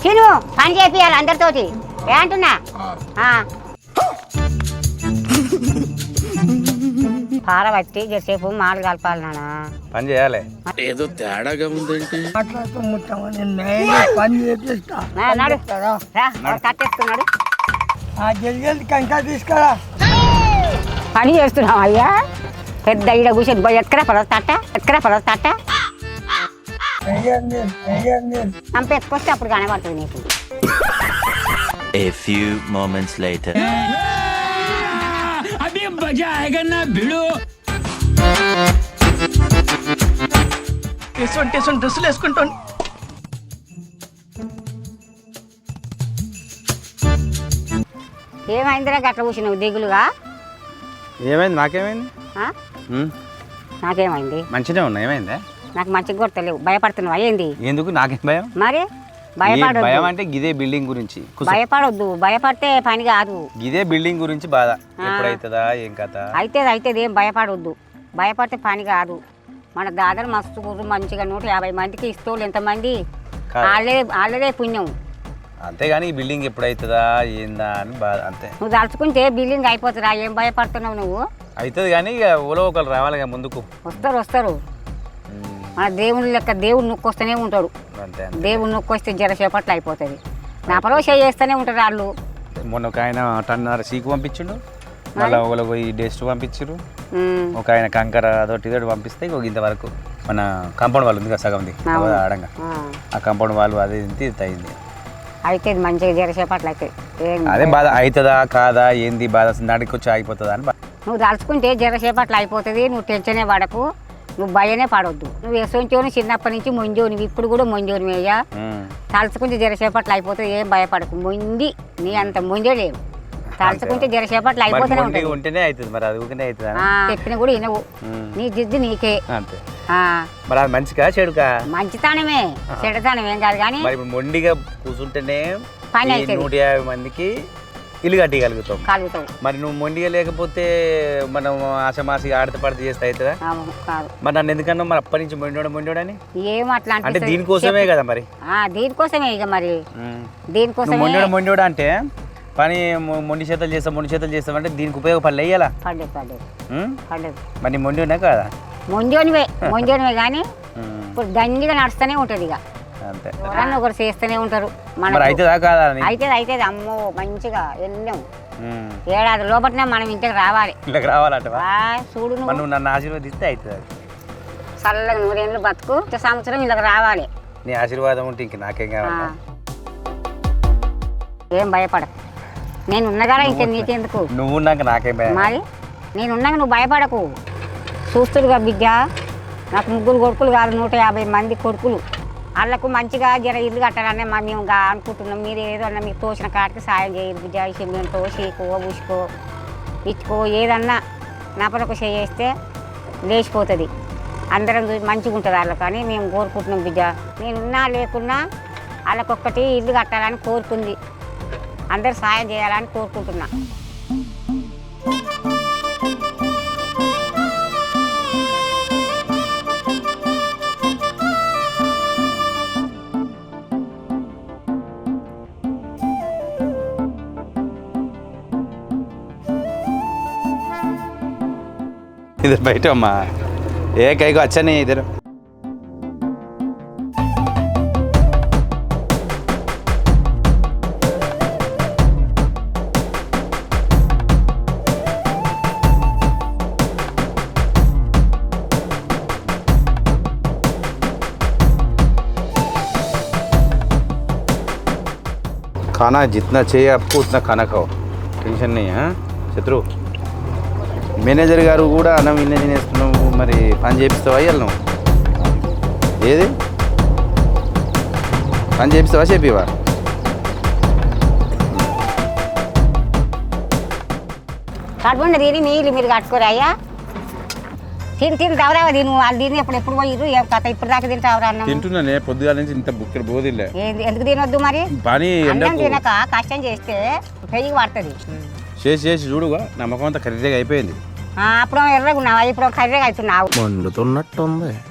తిను పని చేపియాలి అందరితోటి ఏ అంటున్నా పార పట్టి జరసేపు మాలు కలపాలి నాన్న పని చేయాలి ఏదో తేడాగా ఉందేంటి పని చేపిస్తా కట్టేస్తున్నాడు కంకా తీసుకురా పని చేస్తున్నావు అయ్యా పెద్ద ఈడ కూర్చొని ఎక్కడ పడతా చంపేసుకొస్తే అప్పుడు కనబడుతుంది నీకు. A few moments later. అభి మజా ఆయేగా నా భిడు. ఎటువంటి డ్రెస్సులు వేసుకుంటాను. ఏమైందిరా గట్ల కూర్చున్నావు దిగులుగా? ఏమైంది? నాకేమైంది? నాకేమైంది? మంచిగా ఉన్నా. ఏమైందా? నాకు మంచిగా కొడతలేవు. భయపడుతున్నావు అయ్యింది. ఎందుకు? నాకేం భయం? మరి భయపడొద్దు. భయం అంటే గిదే బిల్డింగ్ గురించి. భయపడొద్దు. భయపడితే పని కాదు. గిదే బిల్డింగ్ గురించి బాధ. ఎప్పుడైతుందా ఏం కథ? అయితే ఏం భయపడొద్దు. భయపడితే పని కాదు. మన దాదాపు మస్తు కూర్చు మంచిగా 150 మందికి ఇస్తోళ్ళు ఎంతమంది వాళ్ళదే పుణ్యం. అంతేగాని ఈ బిల్డింగ్ ఎప్పుడైతుందా ఏందా అని బాధ అంతే. నువ్వు తలుచుకుంటే బిల్డింగ్ అయిపోతుందా? ఏం భయపడుతున్నావు నువ్వు? అవుతుంది కానీ ఇక ఊళ్ళో ఒకరు రావాలి ముందుకు. వస్తారు మన దేవుని లెక్క దేవుడు నొక్కొస్తూనే ఉంటాడు. అంతే దేవుడు నొక్కొస్తే జరసేపట్లు అయిపోతుంది. నా పరవ చేస్తూనే ఉంటారు వాళ్ళు. మొన్న ఒక ఆయన టన్నర సీకు పంపించిండు, మళ్ళీ ఒకరు పోయి డెస్ట్ పంపించారు, ఒక ఆయన కంకర అదొకటి ఇదొకటి పంపిస్తే ఇంతవరకు మన కాంపౌండ్ వాళ్ళు ఉంది కదా సగంది ఆడంగా, ఆ కాంపౌండ్ వాళ్ళు అది ఇంత అయింది. అయితే మంచిగా జరసేపట్లు అయితే అదే బాధ. అవుతుందా కాదా ఏంది బాధ నాటికి వచ్చి ఆగిపోతుందా అని. నువ్వు తలుచుకుంటే జరసేపట్లు అయిపోతుంది. నువ్వు టెన్షనే పడకు, నువ్వు భయనే పడవద్దు. నువ్వు ఎసోంచోని చిన్నప్పటి నుంచి మొంజోనివి, ఇప్పుడు కూడా మొంజోనివి అయ్యా. తలుచుకుంటే జరసేపట్లు అయిపోతుంది. ఏం భయపడకు. మొండి నీ అంత మొంజలేవు. తలుచుకుంటే జరసేపట్లు అయిపోతూనే ఉంటుంది. ఉంటేనే అవుతుంది మరి. అది ఊరినే అవుతుంది. చెప్పిన కూడా వినవు. నీ జిద్దు నీకే. అంతే. మరి అది మంచిగా చెడుకా? మంచితనమే, చెడుతనమేం కాదు. కానీ మరి మొండిగా కూర్చుంటేనే పని అయితే 150 మందికి ఇల్లు కట్టగలుగుతాం. కలుగుతావు. మరి నువ్వు మొండిగా లేకపోతే మనం ఆశమాసి ఆడత పడితే చేస్తే అవుతుందా? కాదు. మరి నన్ను ఎందుకన్నా మరి అప్పటి నుంచి మొండోడని ఏం అట్లా అంటే దీనికోసమే కదా మరి. దీనికోసమే ఇక మరి దీనికోసం మొండోడు అంటే పని మొండి చేతలు చేస్తామంటే దీనికి ఉపయోగపడలే వేయాలా? మరి మొండినా కదా? మొంజోనివే కానీ ఇప్పుడు దండిగా నడుస్తూనే ఉంటుంది. ఇక అంతే. ఎవరన్నా ఒకరు చేస్తూనే ఉంటారు. అవుతుందా కాదా? అయితే అమ్మో మంచిగా వెళ్ళాం. ఏడాది లోపలనే మనం ఇంటికి రావాలి. ఇంటికి రావాలంట. చూడు నువ్వు నన్ను ఆశీర్వదిస్తే అవుతుంది. చల్లగా 100 ఏళ్ళు బతుకు. సంవత్సరం ఇళ్ళకి రావాలి. నీ ఆశీర్వాదం ఉంటే ఇంక నాకేం కావాలి? ఏం భయపడకు. నేను ఉన్నగానే ఇంక నీకెందుకు? నువ్వు ఉన్నాక నాకేం భయం? మరి నేను ఉన్నాక నువ్వు భయపడకు. చూస్తుడుగా బిడ్డ, నాకు 3 కొడుకులు కాదు 150 మంది కొడుకులు. వాళ్ళకు మంచిగా జర ఇల్లు కట్టాలనే మేము అనుకుంటున్నాం. మీరు ఏదన్నా మీకు తోచిన కాటికి సాయం చేయరు బిడ్డ. సిమెంటో చీకో ఉసుకో ఇచ్చుకో ఏదన్నా నపలకు చేస్తే లేచిపోతుంది. అందరం మంచిగా ఉంటుంది వాళ్ళకు అని మేము కోరుకుంటున్నాం బిడ్డ. నేనున్నా లేకున్నా వాళ్ళకొక్కటి ఇల్లు కట్టాలని కోరుకుంది. అందరు సాయం చేయాలని కోరుకుంటున్నా. इधर बैठो अम्मा, ये कहीं को अच्छा नहीं है इधर. खाना जितना चाहिए आपको उतना खाना खाओ, टेंशन नहीं है. शत्रु మేనేజర్ గారు కూడా అన్నం ఇన్నే తినేస్తున్నావు, మరి పని చేపిస్తావా? అయ్యాలి నువ్వు ఏది పని చేపిస్తావా? చెప్పివా? కడుపుండ తిని మీరు కట్టుకోరా అయ్యా. తిని తవరావా తిను. వాళ్ళు తిని ఎప్పుడు పోయిర్రు ఏం కథ ఇప్పుడు దాకా తింటావరా? అన్నం తింటున్నానే పొద్దుగాల నుంచి ఇంత బుక్కడ బోదిలే. ఎందుకు తినొద్దు మరి? పని అన్నం తినక కష్టం చేస్తే పెరిగి పడుతుంది. చేసి చూడుగా నమ్మకం అంతా ఖరీదుగా అయిపోయింది. అప్పుడు ఎర్రగా ఉన్నావా, ఇప్పుడు కర్రెగా అవుతున్నావు. మండుతున్నట్టుంది.